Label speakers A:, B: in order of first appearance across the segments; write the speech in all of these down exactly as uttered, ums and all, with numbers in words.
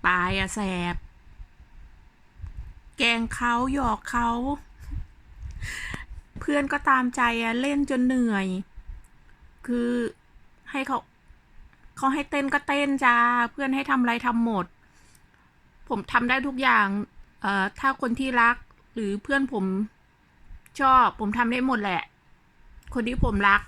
A: ปายอะแสบแกล้งเขาหยอกเขาเพื่อนก็ตามใจอะเล่นจนเหนื่อย คือให้เขาเขาให้เต้นก็เต้นจ้าเพื่อนให้ทำอะไรทำหมด ผมทำได้ทุกอย่างเอ่อถ้าคนที่รักหรือเพื่อนผมชอบผมทำได้หมดแหละ คนที่ผมรัก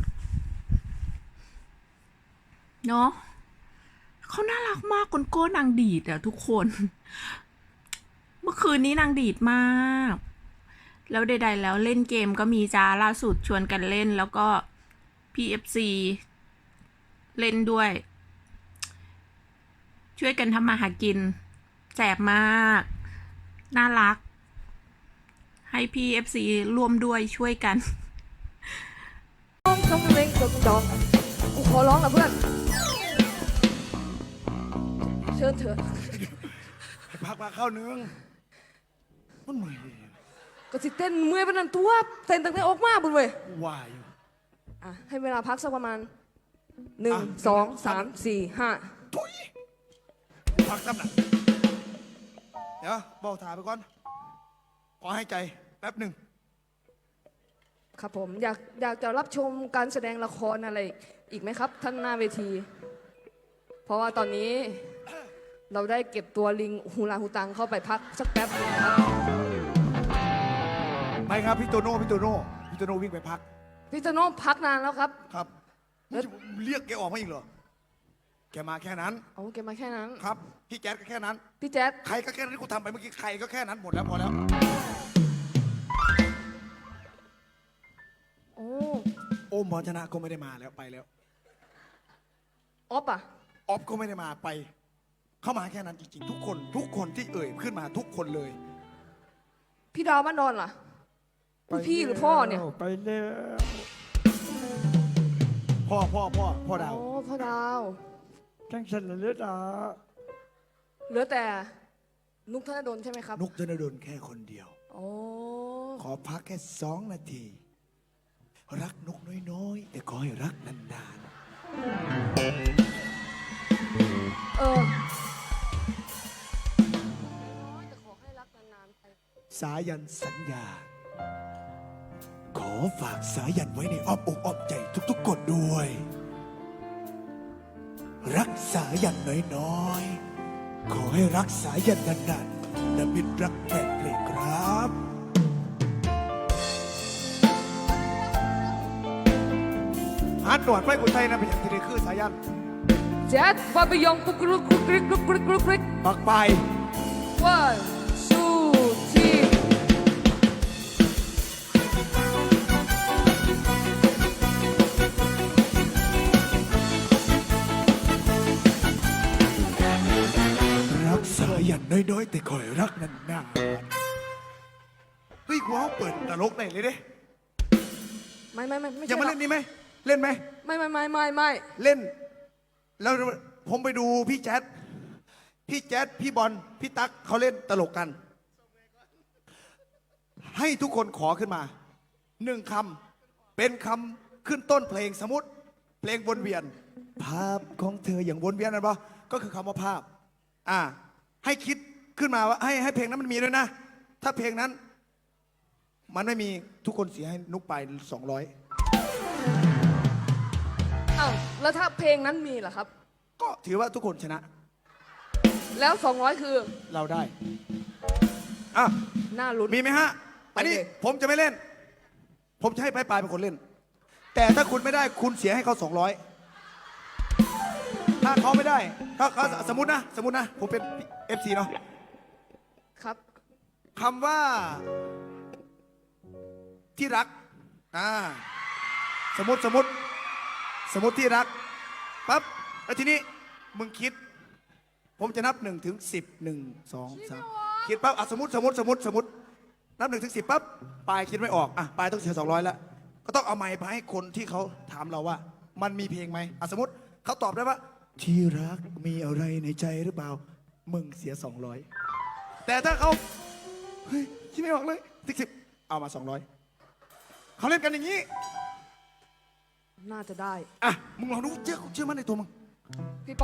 A: เนาะเขาน่ารักมากคนโก้นางดีดอะทุกคน เมื่อคืนนี้นางดีดมาก แล้วใดๆแล้วเล่นเกมก็มีจ้าล่าสุดชวนกันเล่นแล้วก็ พี เอฟ ซี เล่นด้วย ช่วยกันทำมาหากินแสบมาก น่ารัก ให้ พี เอฟ ซี ร่วมด้วยช่วยกัน
B: ต้องต้องเพลงตัวดองกูขอร้องนะเพื่อนเชิญเถอะ
C: ให้พักมาเข้าเนื้องมันเหนื่อยดิ
B: ก็สิเต้นเมื่อยปานนั้นตัวเต้นตั้งแต่ออกมาบุญเว้ย
C: ว่าอยู่
B: อ่ะให้เวลาพักสักประมาณหนึ่ง
C: อ่ะ
B: สองสามสี่ห้า
C: ทุยพักตั้งหนักเดี๋ยวบอกถ่ายไปก่อนขอให้ใจแป๊บหนึ่ง
B: ครับผมอยากอยากจะรับชมการแสดงละครอะไรอีกไหมครับท่านหน้าเวที เพราะว่าตอนนี้เราได้เก็บตัวลิงฮูลาฮูตังเข้าไปพักสักแป๊บนึงครับ
C: ไม่ครับพี่โตโน่พี่โตโน่พี่โตโน่วิ่งไปพัก
B: พี่โตโน่พักนานแล้วครับ
C: ครับเรียกแกออกมาอีกเหรอแกมาแค่นั้น
B: โอ้แกมาแค่นั้น
C: ครับพี่แจ๊ดก็แค่นั้น
B: พี่แจ๊ด
C: ใครก็แค่นั้นที่กูทำไปเมื่อกี้ใครก็แค่นั้นหมดแล้วพอแล้ว
B: โอ้
C: โอมพรชนะก็ไม่ได้มาแล้วไปแล้ว
B: ออฟอะ
C: ออฟก็ไม่ได้มาไปเข้ามาแค่นั้นจริงๆทุกคนทุกคนที่เอ่ยขึ้นมาทุกคนเลย
B: พี่ดาวบ้านดอนล่ะพี่หรือพ่อเนี่ย
C: ไปแล้วพ่อพ่อพ่อพ่อดาว
B: โอ้พ่อดาว
C: จังสันเหลือดา
B: เหลือแต่นุกธนดลใช่ไหมครับ
C: นุกธนดลแค่คนเดียว
B: โอ้
C: ขอพักแค่สองนาทีรักนกน้อยๆแต่ขอให้รักนาน
B: ๆเออแต่ขอให้รักนานๆไป
C: สายันสัญญาขอฝากสายันไว้ในอ้อมอกอ้อมใจทุกๆคนด้วยรักสายันน้อยๆขอให้รักสายันนานๆและมิตรรักแฟนเพลงครับฮันหนวดไฟกุไทยนะเป็นอย่างที่ได้คือสายัน
B: แจ๊ดบาบิยองกุกรุกกุกริกกุกริกกุกริก
C: ปักไป
B: one two three
C: รักสายันน้อยๆแต่คอยรักนานๆเฮ้ยกูเอาเปิดตลกได้เลยเด้
B: ไม่ไม่ไม่ไม่
C: ยังมาเล่นนี่ไหมเล่นไหม
B: ไม่ไม่ไม่ไม่ไม่
C: เล่นแล้วผมไปดูพี่แจ๊ดพี่แจ๊ดพี่บอลพี่ตั๊กเขาเล่นตลกกันให้ทุกคนขอขึ้นมาหนึ่งคำเป็นคำขึ้นต้นเพลงสมมติเพลงวนเวียนภาพของเธออย่างวนเวียนนั่นปะก็คือคำว่าภาพอ่าให้คิดขึ้นมาว่าให้ให้เพลงนั้นมันมีด้วยนะถ้าเพลงนั้นมันไม่มีทุกคนเสียให้นุกไปสองร้อย
B: อ้าวแล้วถ้าเพลงนั้นมีล่ะครับ
C: ก็ถือว่าทุกคนชนะ
B: แล้วสองร้อยคือ
C: เราได้อ่ะ
B: น่าลุ้น
C: มีไหมฮะอันนี้ผมจะไม่เล่นผมจะให้ปลายปลายเป็นคนเล่นแต่ถ้าคุณไม่ได้คุณเสียให้เขาสองร้อยถ้าเขาไม่ได้ถ้าเขาสมมตินะสมมตินะผมเป็น เอฟ ซี เนาะ
B: ครับ
C: คำว่าที่รักอ่าสมมติสมมติสมมติที่รักปั๊บแล้วทีนี้มึงคิดผมจะนับหนึ่งถึงสิบหนึ่งสองสามคิดปั๊บอ่ะสมมติสมมติสมมติสมมตินับหนึ่งถึงสิบปั๊บปลายคิดไม่ออกอ่ะปลายต้องเสียสองร้อยแล้วก็ต้องเอาไมค์ไปให้คนที่เขาถามเราว่ามันมีเพลงไหมอ่ะสมมติเขาตอบได้ว่าที่รักมีอะไรในใจหรือเปล่ามึงเสียสองร้อยแต่ถ้าเขาเฮ้ยคิดไม่ออกเลยสิบสิบเอามาสองร้อยเขาเล่นกันอย่างนี้
B: น่าจะได้
C: อ่ะมึงลองดูเชื่อเชื่อมั่นในตัวมึง